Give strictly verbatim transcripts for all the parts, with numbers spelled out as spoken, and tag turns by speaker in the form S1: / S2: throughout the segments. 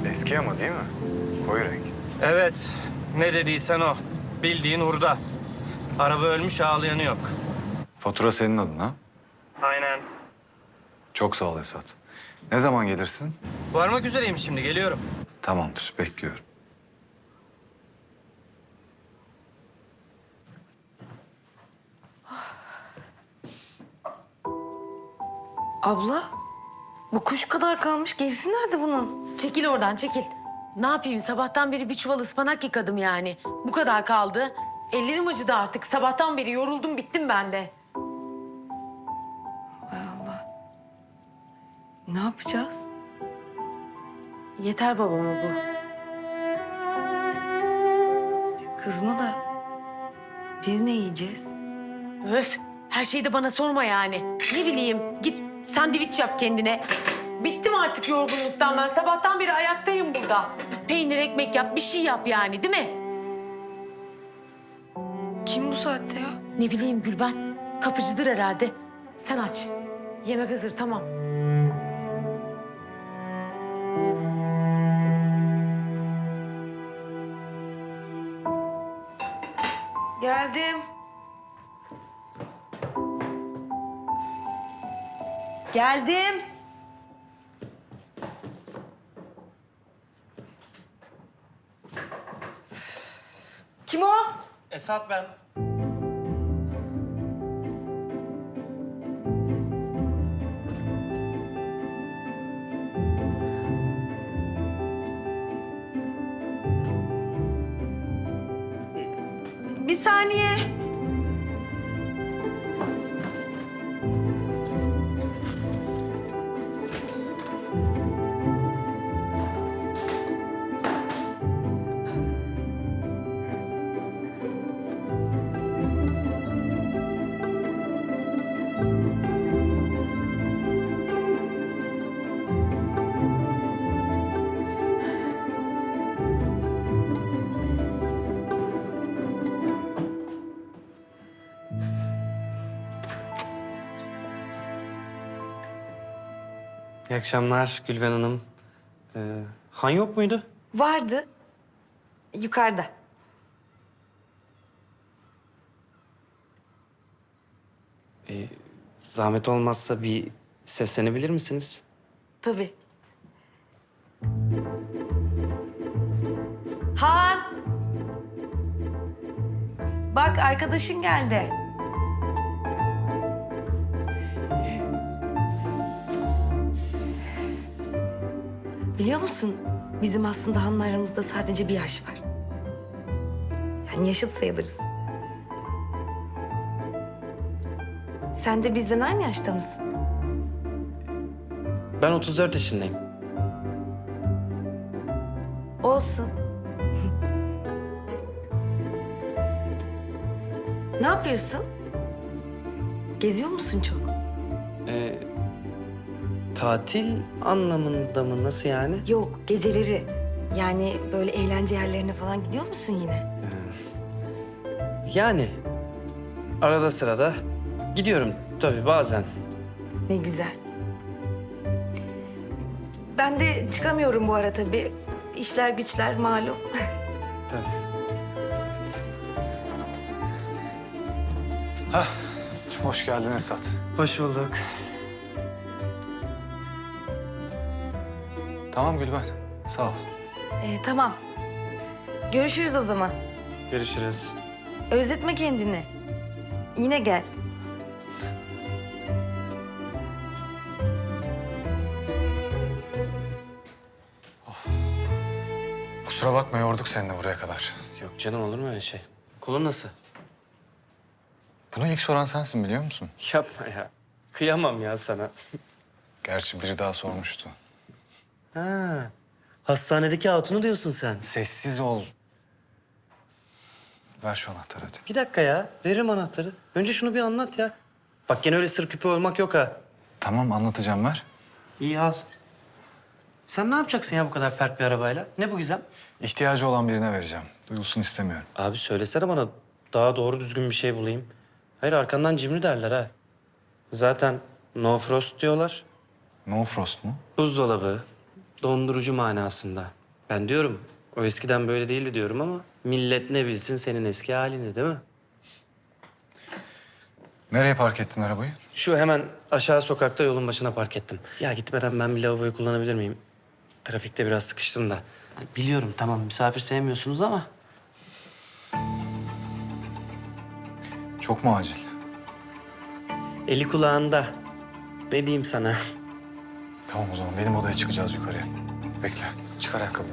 S1: Eski ama değil mi? Koyu renk.
S2: Evet, ne dediysen o. Bildiğin hurda. Araba ölmüş, ağlayanı yok.
S1: Fatura senin adın ha?
S2: Aynen.
S1: Çok sağ ol Esat. Ne zaman gelirsin?
S2: Varmak üzereyim şimdi, geliyorum.
S1: Tamamdır, bekliyorum.
S3: Abla, bu kuş kadar kalmış. Gerisi nerede bunun?
S4: Çekil oradan çekil. Ne yapayım sabahtan beri bir çuval ıspanak yıkadım yani. Bu kadar kaldı. Ellerim acıdı artık. Sabahtan beri yoruldum bittim ben de.
S3: Hay Allah. Ne yapacağız?
S4: Yeter babama bu.
S3: Kızma da biz ne yiyeceğiz?
S4: Öf her şeyi de bana sorma yani. Ne bileyim git sandviç yap kendine. Bittim artık yorgunluktan ben. Sabahtan beri ayaktayım burada. Peynir ekmek yap bir şey yap yani değil mi?
S3: Kim bu saatte ya?
S4: Ne bileyim Gülben. Kapıcıdır herhalde. Sen aç. Yemek hazır tamam.
S3: Geldim. Geldim. Kim o?
S2: Esat ben.
S3: Bir saniye.
S5: İyi akşamlar Gülben Hanım. Ee, Han yok muydu?
S3: Vardı. Yukarıda.
S5: Ee, zahmet olmazsa bir seslenebilir misiniz?
S3: Tabii. Han! Bak arkadaşın geldi. Biliyor musun? Bizim aslında Han'la aramızda sadece bir yaş var. Yani yaşıt sayılırız. Sen de bizden aynı yaşta mısın?
S5: Ben otuz dört yaşındayım.
S3: Olsun. Ne yapıyorsun? Geziyor musun çok?
S5: Ee, tatil anlamında mı? Nasıl yani?
S3: Yok, geceleri. Yani böyle eğlence yerlerine falan gidiyor musun yine?
S5: Yani arada sırada gidiyorum tabii bazen.
S3: Ne güzel. Ben de çıkamıyorum bu ara tabii. İşler güçler malum.
S5: Tabii.
S1: Hah, hoş geldin Esat.
S5: Hoş bulduk.
S1: Tamam Gülben, sağ ol.
S3: Ee, tamam. Görüşürüz o zaman.
S5: Görüşürüz.
S3: Özletme kendini. Yine gel.
S1: Kusura bakma yorduk seni de buraya kadar.
S5: Yok canım olur mu öyle şey? Kolun nasıl?
S1: Bunu ilk soran sensin biliyor musun?
S5: Yapma ya. Kıyamam ya sana.
S1: Gerçi biri daha sormuştu.
S5: Ha, hastanedeki hatunu diyorsun sen.
S1: Sessiz ol. Ver şu anahtarı hadi.
S5: Bir dakika ya. Veririm anahtarı. Önce şunu bir anlat ya. Bak gene öyle sır küpü olmak yok ha.
S1: Tamam anlatacağım ver.
S5: İyi al. Sen ne yapacaksın ya bu kadar pert bir arabayla? Ne bu Gizem?
S1: İhtiyacı olan birine vereceğim. Duyulsun istemiyorum.
S5: Abi söylesene bana daha doğru düzgün bir şey bulayım. Hayır arkandan cimri derler ha. Zaten no frost diyorlar.
S1: No frost mu?
S5: Buzdolabı, dondurucu manasında. Ben diyorum o eskiden böyle değildi diyorum ama millet ne bilsin senin eski halini değil mi?
S1: Nereye park ettin arabayı?
S5: Şu hemen aşağı sokakta yolun başına park ettim. Ya gitmeden ben bir lavaboyu kullanabilir miyim? Trafikte biraz sıkıştım da. Yani biliyorum tamam misafir sevmiyorsunuz ama
S1: Çok mu acil?
S5: eli kulağında. Ne diyeyim sana?
S1: Tamam o zaman benim odaya çıkacağız yukarıya. Bekle. Çıkar ayakkabı.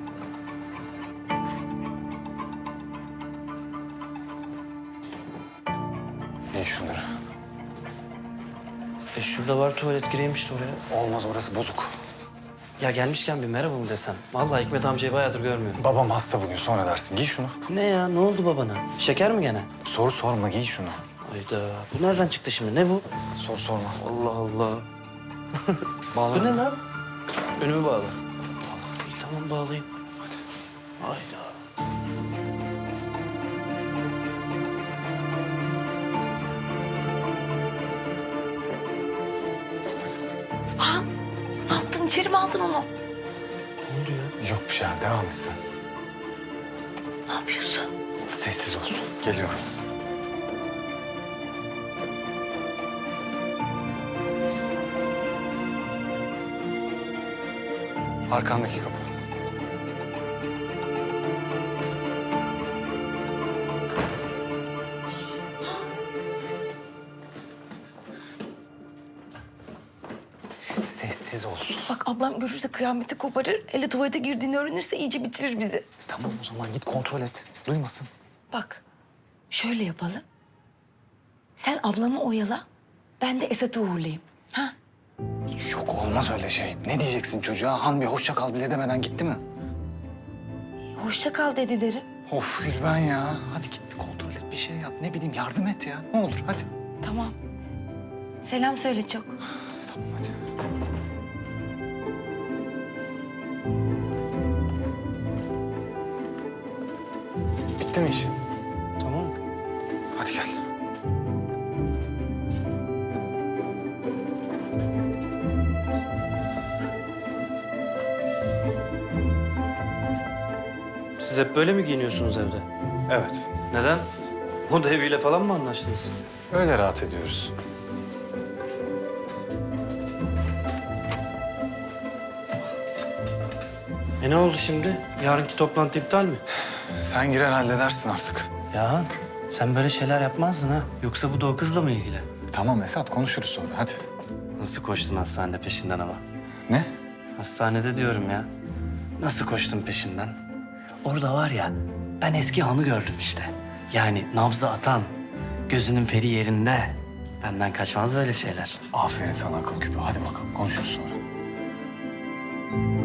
S1: Giy şunları.
S5: E şurada var tuvalet gireyim işte oraya.
S1: Olmaz orası bozuk.
S5: Ya gelmişken bir merhaba mı desem? Vallahi Hikmet amcayı bayağıdır görmüyorum.
S1: Babam hasta bugün sonra dersin. Giy şunu.
S5: Bu ne ya? Ne oldu babana? Şeker mi gene?
S1: Soru sorma giy şunu.
S5: Hayda. Bu nereden çıktı şimdi? Ne bu?
S1: Sor sorma.
S5: Allah Allah.
S1: Bağla.
S5: Bu ne lan? Önümü bağla. İyi tamam bağlayayım. Hadi. Hayda.
S3: Aa, ne yaptın? İçeri mi aldın onu?
S5: Ne oldu ya?
S1: Yok bir şey abi devam et sen.
S3: Ne yapıyorsun?
S1: Sessiz ol. Geliyorum. Arkandaki kapı. Sessiz ol.
S3: Bak ablam görürse kıyameti koparır. Ele tuvalete girdiğini öğrenirse iyice bitirir bizi.
S1: Tamam o zaman git kontrol et. Duymasın.
S3: Bak şöyle yapalım. Sen ablamı oyala. Ben de Esat'ı uğurlayayım. Ha?
S1: Yok olmaz öyle şey. Ne diyeceksin çocuğa? Han bir hoşça kal bile demeden gitti mi?
S3: Hoşça kal dedi derim.
S1: Of Gülben ya. Hadi git bir kontrol et bir şey yap. Ne bileyim yardım et ya. Ne olur hadi.
S3: Tamam. Selam söyle çok.
S1: Tamam hadi. Bitti mi iş?
S5: Tamam.
S1: Hadi gel.
S5: Siz hep böyle mi giyiniyorsunuz evde?
S1: Evet.
S5: Neden? O da eviyle falan mı anlaştınız?
S1: Öyle rahat ediyoruz.
S5: E ne oldu şimdi? Yarınki toplantı iptal mi?
S1: Sen girer halledersin artık.
S5: Ya sen böyle şeyler yapmazdın ha. Yoksa bu da o kızla mı ilgili?
S1: Tamam Esat konuşuruz sonra hadi.
S5: Nasıl koştun hastanede peşinden ama?
S1: Ne?
S5: Hastanede diyorum ya. Nasıl koştun peşinden? Orada var ya, ben eski Han'ı gördüm işte. Yani nabzı atan, gözünün feri yerinde. Benden kaçmaz böyle şeyler.
S1: Aferin sana akıl küpü. Hadi bakalım konuşuruz sonra.